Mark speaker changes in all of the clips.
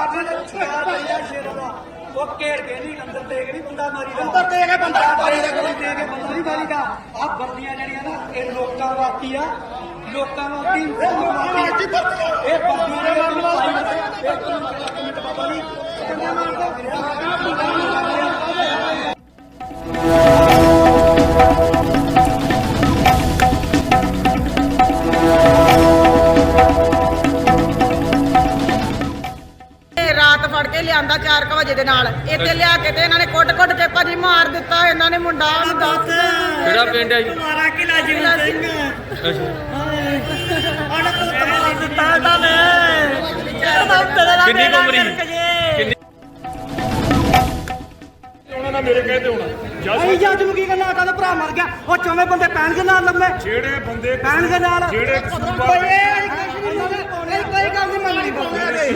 Speaker 1: वो घेर के नहीं अंदर दे के नहीं बंदा मारी दा अंदर दे के बंदा मारी दा कोई दे के बंदा नहीं मारी दा आ वर्दियां जड़ियां ना ये लोकां वास्ते आ लोकां वास्ते ये वर्दियां दे एक मिनट बाबा जी किन्ने मार दो
Speaker 2: ਰਾਤ ਫੜ ਕੇ ਲਿਆਂਦਾ 4 ਵਜੇ ਦੇ ਨਾਲ ਇੱਥੇ ਲਿਆ ਕੇ ਤੇ ਇਹਨਾਂ ਨੇ ਕੁੱਟ-ਕੁੱਟ ਕੇ ਭਾਜੀ ਮਾਰ ਦਿੱਤਾ ਇਹਨਾਂ ਨੇ ਮੁੰਡਾ
Speaker 3: ਕਿਹੜਾ ਪਿੰਡ ਹੈ ਜੀ?
Speaker 1: ਮਾਰਾ ਕਿਲਾ ਜੀਵਨ ਸਿੰਘ
Speaker 3: ਅੱਛਾ
Speaker 1: ਆਣਾ ਪੁੱਤ ਮਾਰ ਦਿੱਤਾ ਇਹਨਾਂ ਨੇ
Speaker 3: ਕਿੰਨੀ ਉਮਰ ਸੀ? ਕਿੰਨੀ
Speaker 4: ਉਹਨਾਂ ਨਾਲ ਮੇਰੇ ਕਹੇ ਤੇ ਹੋਣਾ
Speaker 1: ਅਸੀਂ ਜੱਜ ਨੂੰ ਕੀ ਕਰਨਾ ਕਹਿੰਦਾ ਭਰਾ ਮਰ ਗਿਆ ਉਹ ਚੌਵੇਂ ਬੰਦੇ ਪੈਣਗੇ ਨਾਲ ਲੰਮੇ
Speaker 4: ਜਿਹੜੇ ਬੰਦੇ
Speaker 1: ਪੈਣਗੇ ਨਾਲ
Speaker 4: ਜਿਹੜੇ ਕਸੂਰਵਾਰ
Speaker 1: ਕੋਈ ਗੱਲ ਨਹੀਂ ਮੰਨਣੀ ਬੰਦੇ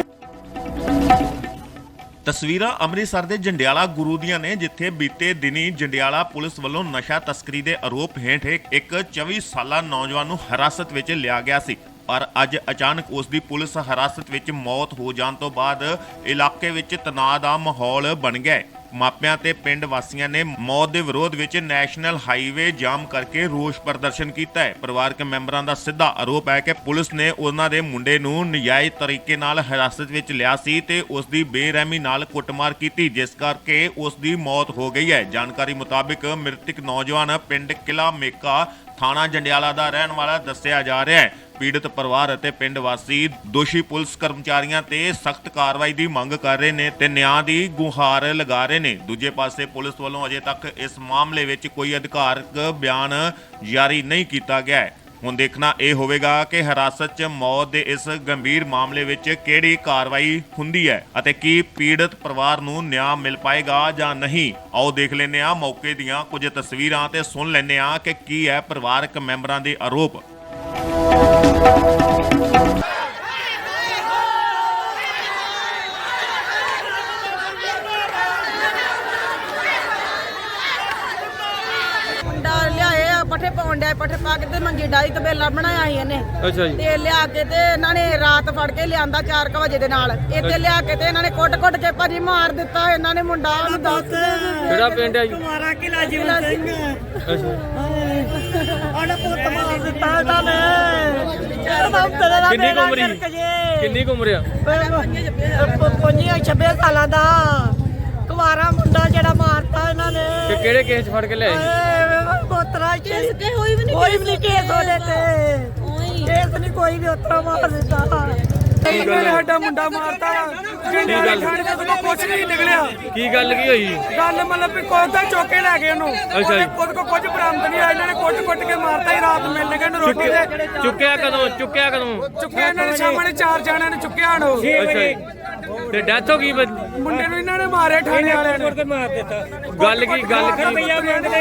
Speaker 5: ਤਸਵੀਰਾਂ ਅੰਮ੍ਰਿਤਸਰ ਦੇ ਜੰਡਿਆਲਾ ਗੁਰੂ ਦੀਆਂ ਨੇ, ਜਿੱਥੇ ਬੀਤੇ ਦਿਨੀ ਜੰਡਿਆਲਾ ਪੁਲਿਸ ਵੱਲੋਂ ਨਸ਼ਾ ਤਸਕਰੀ ਦੇ ਆਰੋਪ ਹੇਠ ਇੱਕ 24 ਸਾਲਾ ਨੌਜਵਾਨ ਨੂੰ ਹਿਰਾਸਤ ਵਿੱਚ ਲਿਆ ਗਿਆ ਸੀ। ਪਰ ਅੱਜ ਅਚਾਨਕ ਉਸ ਦੀ ਪੁਲਿਸ ਹਿਰਾਸਤ ਵਿੱਚ ਮੌਤ ਹੋ ਜਾਣ ਤੋਂ ਬਾਅਦ ਇਲਾਕੇ ਵਿੱਚ ਤਣਾਅ ਦਾ ਮਾਹੌਲ ਬਣ ਗਿਆ। ਮਾਪਿਆਂ ਤੇ ਪਿੰਡ ਵਾਸੀਆਂ ਨੇ ਮੌਤ ਦੇ ਵਿਰੋਧ ਵਿੱਚ ਨੈਸ਼ਨਲ ਹਾਈਵੇ ਜਾਮ ਕਰਕੇ ਰੋਸ ਪ੍ਰਦਰਸ਼ਨ ਕੀਤਾ ਹੈ। ਪਰਿਵਾਰਕ ਮੈਂਬਰਾਂ ਦਾ ਸਿੱਧਾ ਆਰੋਪ ਹੈ ਕਿ ਪੁਲਿਸ ਨੇ ਉਹਨਾਂ ਦੇ ਮੁੰਡੇ ਨੂੰ ਨਜਾਇਜ਼ ਤਰੀਕੇ ਨਾਲ ਹਿਰਾਸਤ ਵਿੱਚ ਲਿਆ ਸੀ ਤੇ ਉਸ ਦੀ ਬੇਰਹਿਮੀ ਨਾਲ ਕੁੱਟਮਾਰ ਕੀਤੀ, ਜਿਸ ਕਰਕੇ ਉਸ ਦੀ ਮੌਤ ਹੋ ਗਈ ਹੈ। ਜਾਣਕਾਰੀ ਮੁਤਾਬਿਕ ਮ੍ਰਿਤਕ ਨੌਜਵਾਨ ਪਿੰਡ ਕਿਲਾ ਮੇਕਾ ਥਾਣਾ ਜੰਡਿਆਲਾ ਦਾ ਰਹਿਣ ਵਾਲਾ ਦੱਸਿਆ ਜਾ ਰਿਹਾ ਹੈ। ਪੀੜਤ ਪਰਿਵਾਰ ਅਤੇ ਪਿੰਡ ਵਾਸੀ ਦੋਸ਼ੀ ਪੁਲਿਸ ਕਰਮਚਾਰੀਆਂ ਤੇ ਸਖਤ ਕਾਰਵਾਈ ਦੀ ਮੰਗ ਕਰ ਰਹੇ ਨੇ ਤੇ ਨਿਆਂ ਦੀ ਗੁਹਾਰ ਲਗਾ ਰਹੇ ਨੇ। ਦੂਜੇ ਪਾਸੇ ਪੁਲਿਸ ਵੱਲੋਂ ਅਜੇ ਤੱਕ ਇਸ ਮਾਮਲੇ ਵਿੱਚ ਕੋਈ ਅਧਿਕਾਰਕ ਬਿਆਨ ਜਾਰੀ ਨਹੀਂ ਕੀਤਾ ਗਿਆ ਹੈ। ਹੁਣ ਦੇਖਣਾ ਇਹ ਹੋਵੇਗਾ ਕਿ ਹਿਰਾਸਤ 'ਚ ਮੌਤ ਦੇ ਇਸ ਗੰਭੀਰ ਮਾਮਲੇ ਵਿੱਚ ਕਿਹੜੀ ਕਾਰਵਾਈ ਹੁੰਦੀ ਹੈ ਅਤੇ ਕੀ ਪੀੜਤ ਪਰਿਵਾਰ ਨੂੰ ਨਿਆਂ ਮਿਲ ਪਾਏਗਾ ਜਾਂ ਨਹੀਂ। ਆਓ ਦੇਖ ਲੈਂਦੇ ਹਾਂ ਮੌਕੇ ਦੀਆਂ ਕੁਝ ਤਸਵੀਰਾਂ ਤੇ ਸੁਣ ਲੈਂਦੇ ਹਾਂ ਕਿ ਕੀ ਹੈ ਪਰਿਵਾਰਕ ਮੈਂਬਰਾਂ ਦੇ ਆਰੋਪ।
Speaker 2: ਮੁੰਡਾ ਲਿਆਏ ਆ ਪੱਠੇ ਪਾਉਣ ਡਿਆ, ਪੱਠੇ ਪਾ ਕੇ ਤੇ ਮੰਜੀ ਡਾਈ ਤਬੇਲਾ ਬਣਾਇਆ ਸੀ ਇਹਨੇ
Speaker 3: ਅੱਛਾ ਜੀ
Speaker 2: ਤੇ ਲਿਆ ਕੇ ਤੇ ਇਹਨਾਂ ਨੇ ਰਾਤ ਫੜ ਕੇ ਲਿਆਂਦਾ 4 ਵਜੇ ਦੇ ਨਾਲ ਇੱਥੇ ਲਿਆ ਕੇ ਤੇ ਇਹਨਾਂ ਨੇ ਕੁੱਟ-ਕੁੱਟ ਕੇ ਭਾਜੀ ਮਾਰ ਦਿੱਤਾ ਇਹਨਾਂ ਨੇ ਮੁੰਡਾ
Speaker 3: ਕਿਹੜਾ ਪਿੰਡ ਹੈ ਜੀ?
Speaker 1: ਮਾਰਾ ਕਿਲਾ ਜੀਵਨ ਸਿੰਘ
Speaker 3: ਅੱਛਾ
Speaker 1: ਆਣਾ ਪੁੱਤ ਮਾਰ ਦਿੱਤਾ ਇਹਨਾਂ ਨੇ
Speaker 3: ਕਿੰਨੀ ਉਮਰ ਸੀ? ਕਿੰਨੀ ਉਮਰ ਆ?
Speaker 2: 25-26 ਸਾਲਾਂ ਦਾ ਕੁਵਾਰਾ ਮੁੰਡਾ ਜਿਹੜਾ ਮਾਰਤਾ ਇਹਨਾਂ ਨੇ
Speaker 3: ਤੇ ਕਿਹੜੇ ਕੇਸ ਫੜ ਕੇ ਲਿਆਏ?
Speaker 2: ਪੋਤਰਾ ਕੋਈ ਵੀ ਨਹੀਂ ਕੇਸ ਉਹਦੇ ਤੇ ਕੇਸ ਨਹੀਂ ਕੋਈ ਵੀ ਉਤਰਾ ਮਾਰ ਦਿੱਤਾ
Speaker 1: ਸਾਡਾ ਮੁੰਡਾ ਮਾਰਤਾ ਜੰਡਿਆਲੇ ਥਾਣੇ ਦਾ ਤਾਂ ਕੁਝ ਨਹੀਂ ਨਿਕਲਿਆ।
Speaker 3: ਕੀ ਗੱਲ ਕੀ ਹੋਈ?
Speaker 1: ਗੱਲ ਮਤਲਬ ਵੀ ਕੋਈ ਤਾਂ ਚੌਕੇ ਲੈ ਗਏ ਉਹਨੂੰ
Speaker 3: ਅੱਛਾ ਜੀ।
Speaker 1: ਖੁਦ ਕੋ ਕੁਝ ਬਰਾਮਦ ਨਹੀਂ ਆਇਆ, ਇਹਨਾਂ ਨੇ ਕੁੱਟ-ਕੁੱਟ ਕੇ ਮਾਰਤਾ ਹੀ। ਰਾਤ ਮਿਲਣ ਗਏ ਨੂੰ ਰੋਟੀ ਦੇ
Speaker 3: ਚੁੱਕਿਆ ਕਦੋਂ? ਚੁੱਕਿਆ
Speaker 1: ਇਹਨਾਂ ਨੇ ਸਾਹਮਣੇ 4 ਜਣਿਆਂ ਨੇ ਚੁੱਕਿਆ ਉਹਨੂੰ।
Speaker 3: ਅੱਛਾ ਜੀ। ਤੇ ਡੈਥ ਹੋ ਗਈ
Speaker 1: ਮੁੰਡੇ ਨੂੰ ਇਹਨਾਂ ਨੇ ਮਾਰਿਆ ਥਾਣੇ ਵਾਲਿਆਂ ਨੇ ਮਾਰ ਦਿੱਤਾ।
Speaker 3: ਗੱਲ ਕੀ
Speaker 1: ਰੁਪਈਆ ਮੰਗਦੇ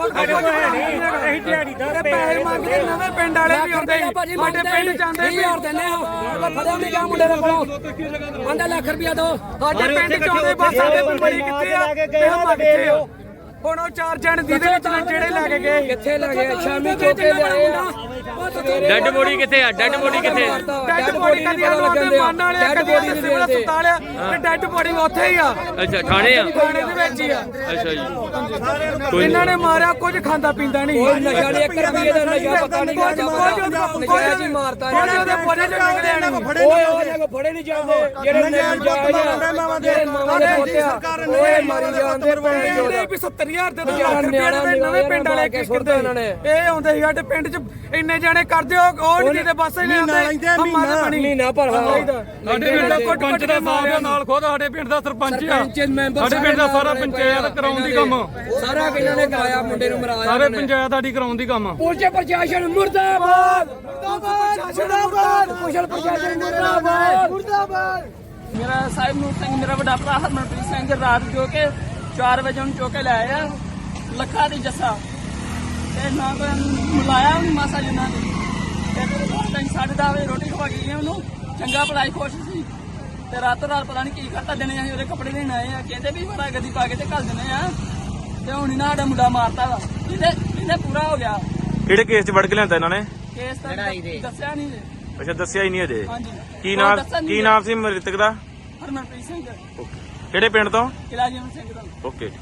Speaker 1: ਅਸੀਂ ਦਿਹਾੜੀਦਾਰ ਪੈਸੇ ਮੰਗਦੇ। ਨਵੇਂ ਪਿੰਡ ਵਾਲੇ ਵੀ ਆਉਂਦੇ ਸੀ, ਸਾਡੇ ਪਿੰਡ ਜਾਂਦੇ ਸੀ।
Speaker 6: ਫੜਿਆ ਨਹੀਂ ਗਿਆ ਮੁੰਡੇ ਨੂੰ 5 ਲੱਖ ਰੁਪਇਆ ਦੋ
Speaker 1: ਸਾਡੇ ਪਿੰਡ ਚ ਆਉਂਦੇ ਬਸ ਸਾਡੇ ਬੰਬੜੀ ਕਿੱਥੇ ਆ ਤੇ ਹਮ ਕਿੱਥੇ ਆ। ਹੁਣ ਉਹ 4 ਜਣ ਜਿਹਦੇ ਵਿੱਚ ਜਿਹੜੇ ਲੈ ਕੇ ਗਏ
Speaker 6: ਕਿੱਥੇ ਲੱਗੇ? ਸ਼ਾਮੀ ਚੋਕੇ ਲਿਆਏ
Speaker 3: ਡੈਡ ਬੋਡੀ ਕਿੱਥੇ ਆ? ਡੈਡ ਬੋਡੀ ਕਿੱਥੇ?
Speaker 1: ਡੈਡ ਬੋਡੀ ਕਦੀ ਉਹਦੇ ਮਨ ਵਾਲੇ ਕਦੀ ਸਿਵਲ ਹਸਪਤਾਲ ਆ ਤੇ ਡੈਡ ਬੋਡੀ ਉੱਥੇ ਹੀ ਆ।
Speaker 3: ਅੱਛਾ ਥਾਣੇ ਆ?
Speaker 1: ਥਾਣੇ ਦੇ ਵਿੱਚ ਹੀ ਆ।
Speaker 3: ਅੱਛਾ ਜੀ।
Speaker 1: ਇਹਨਾਂ ਨੇ ਮਾਰਿਆ, ਕੁਝ ਖਾਂਦਾ ਪੀਂਦਾ ਨਹੀਂ।
Speaker 6: ਕੋਈ ਨਸ਼ਾ ਨਹੀਂ, 1 ਰੁਪਏ ਦਾ ਨਸ਼ਾ ਪਤਾ ਨਹੀਂ ਨਜਾਇਜ਼ ਹੀ ਮਾਰਤਾ
Speaker 1: ਉਹਦੇ ਪੋਲੇ ਚ ਨਿਕਲੇ ਨਹੀਂ।
Speaker 6: ਉਹ ਫੜੇ ਨਹੀਂ ਜਾਂਦੇ ਜਿਹੜੇ ਨਜਾਇਜ਼ ਜਿਹੜੇ ਮਾਵਾਂ ਦੇ ਪੋਤੇ ਆ ਉਹ ਮਾਰੀ ਜਾਂਦੇ
Speaker 1: ਵੀ 70,000 ਦੇ 2 ਲੱਖ ਰੁਪਏ ਨਵੇਂ ਪਿੰਡ ਵਾਲੇ ਕੇ ਸੁੱਟਦੇ ਉਹਨਾਂ ਨੇ। ਇਹ ਆਉਂਦੇ ਸੀ ਸਾਡੇ ਪਿੰਡ ਚ ਇੰਨੇ ਜਾਣੇ ਕਰਦੇ ਉਹ ਨਹੀਂ ਦੇ ਬਸ ਇਹਨੇ ਆਉਂਦੇ
Speaker 6: ਮਹੀਨਾ ਭਰ
Speaker 1: ਸਾਡੇ ਪਿੰਡ ਦਾ ਪੰਚ ਦਾ ਮਾਰਿਆ ਨਾਲ ਖੁਦ ਸਾਡੇ ਪਿੰਡ ਦਾ ਸਰਪੰਚ ਆ। ਸਾਡੇ ਪਿੰਡ ਦਾ ਸਾਰਾ ਪੰਚਾਇਤ ਕਰਾਉਣ ਦੀ ਕੰਮ
Speaker 6: ਸਾਰਾ ਕਿਹਨਾਂ ਨੇ ਕਰਾਇਆ, ਮੁੰਡੇ ਨੂੰ ਮਰਾਇਆ
Speaker 1: ਸਾਰੇ ਪੰਚਾਇਤ ਸਾਡੀ ਕਰਾਉਣ ਦੀ ਕੰਮ।
Speaker 6: ਪੁਲਿਸ ਪ੍ਰਸ਼ਾਸਨ ਮੁਰਦਾਬਾਦ ਮੁਰਦਾਬਾਦ ਕੁਸ਼ਲ ਪ੍ਰਸ਼ਾਸਨ ਮੁਰਦਾਬਾਦ ਮੁਰਦਾਬਾਦ।
Speaker 7: ਮੇਰਾ ਸਾਹਿਬ ਨੂਰ ਸਿੰਘ, ਮੇਰਾ ਵੱਡਾ ਭਰਾ ਹਰਮਨਪ੍ਰੀਤ ਸਿੰਘ ਰਾਤ ਜੋ ਕਿ 4 ਵਜੇ ਉਹਨੂੰ ਚੁੱਕ ਕੇ ਲੈ ਆਇਆ ਲੱਖਾਂ ਦੀ ਜੱਸਾ ਤੇ ਨਾ ਕੋਈ ਮਿਲਾਇਆ ਉਹਨੂੰ ਮਾਸਾ ਜਿੰਨਾ ਨੇ ਤੇ ਰਾਤ 10:30 ਵਜੇ ਰੋਟੀ ਖਵਾ ਗਈ ਉਹਨੂੰ। ਚੰਗਾ ਪੜਾਈ ਖੁਸ਼ ਸੀ ਤੇ ਰਾਤੋਂ ਰਾਤ ਪਤਾ ਨਹੀਂ ਕੀ ਕਰਤਾ ਦੇਣੇ ਅਸੀਂ ਉਹਦੇ ਕੱਪੜੇ ਦੇਣ ਆਏ ਆ। ਕਹਿੰਦੇ ਵੀ ਬੜਾ ਗੱਡੀ ਪਾ ਕੇ ਤੇ ਘੱਲ ਦਿੰਦੇ ਆ ਤੇ ਹੁਣ ਇਹਨਾਂ ਸਾਡਾ ਮੁੰਡਾ ਮਾਰਤਾ ਵਾ। ਇਹਦੇ ਪੂਰਾ ਹੋ ਗਿਆ।
Speaker 3: ਕਿਹੜੇ ਕੇਸ 'ਚ ਵੜ ਕੇ ਲਿਆਂਦਾ ਇਹਨਾਂ ਨੇ?
Speaker 7: ਕੇਸ ਤਾਂ ਦੱਸਿਆ ਨਹੀਂ।
Speaker 3: ਅੱਛਾ ਦੱਸਿਆ ਹੀ ਨਹੀਂ ਅਜੇ।
Speaker 7: ਹਾਂਜੀ
Speaker 3: ਕੀ ਨਾਮ ਸੀ ਮ੍ਰਿਤਕ ਦਾ?
Speaker 7: ਹਰਮਨਪ੍ਰੀਤ ਸਿੰਘ
Speaker 3: ਕਿਹੜੇ ਪਿੰਡ ਤੋਂ?
Speaker 7: ਕਿਲਾ ਜੀਵਨ ਸਿੰਘ ਦਾ।
Speaker 3: ਓਕੇ।